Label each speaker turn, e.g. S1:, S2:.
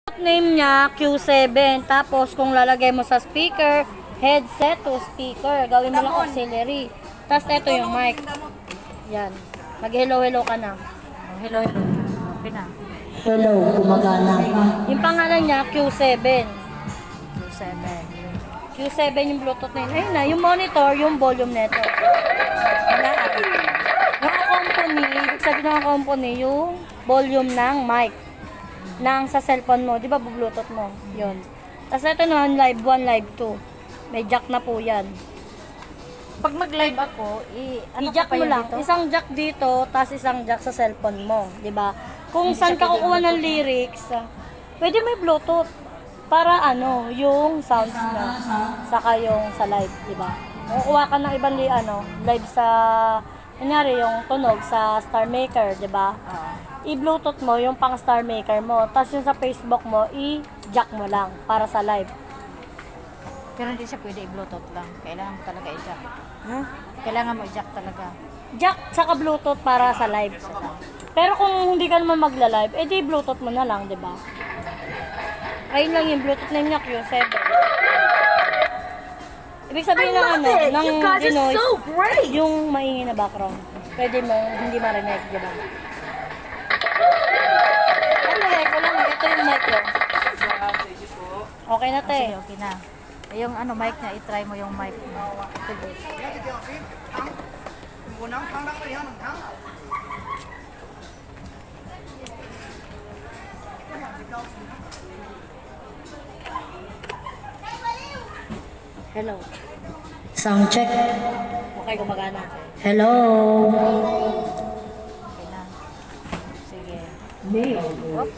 S1: Name niya Q7. Tapos kung lalagay mo sa speaker, headset to speaker. Gawin mo lang auxiliary. Tapos ito yung mic. Yan. Mag-hello-hello ka na.
S2: Hello, hello. Okay na.
S3: Hello, gumagana.
S1: Yung pangalan niya Q7.
S2: 7.
S1: Q7 yung Bluetooth na yun. Ayun na, yung monitor, yung volume neto. Wala. Yung company, ibig sabihin ng company, yung volume ng mic. Nang sa cellphone mo, di ba Bluetooth mo? Yun. Tapos ito naman, live 1, live 2. May jack na po yan.
S2: Pag mag-live ako,
S1: I-jack mo lang.
S2: dito?
S1: Isang jack dito, tapos isang jack sa cellphone mo. Di ba? Kung saan ka kukuha ng lyrics, pwede may Bluetooth. Para yung sounds na. Saka yung sa live, di ba? Kukuha ka ng ibang live sa, kunyari yung tunog sa Star Maker, di ba? I-Bluetooth mo yung pang Star Maker mo. Tapos yung sa Facebook mo, i-jack mo lang para sa live.
S2: Pero hindi siya pwede i-bluetooth lang. Kailangan mo talaga i-jack.
S1: Huh?
S2: Kailangan mo i-jack talaga.
S1: Jack saka Bluetooth para sa live. Pero kung hindi ka naman magla-live, edi Bluetooth mo na lang, di ba? Ayun lang yung Bluetooth na niya, Q7. Ibig sabihin ng ng denoise, yung maingay na background. Pwede mo hindi marinig, di ba? Okay, ko lang. Ito yung mic ko. Okay na, te.
S2: Sige, okay na. Yung mic niya, i-try mo yung mic mo. Sige.
S1: Hello.
S3: Sound check.
S1: Okay, gumagana.
S3: Hello.
S2: Okay na. Sige.
S3: Mail.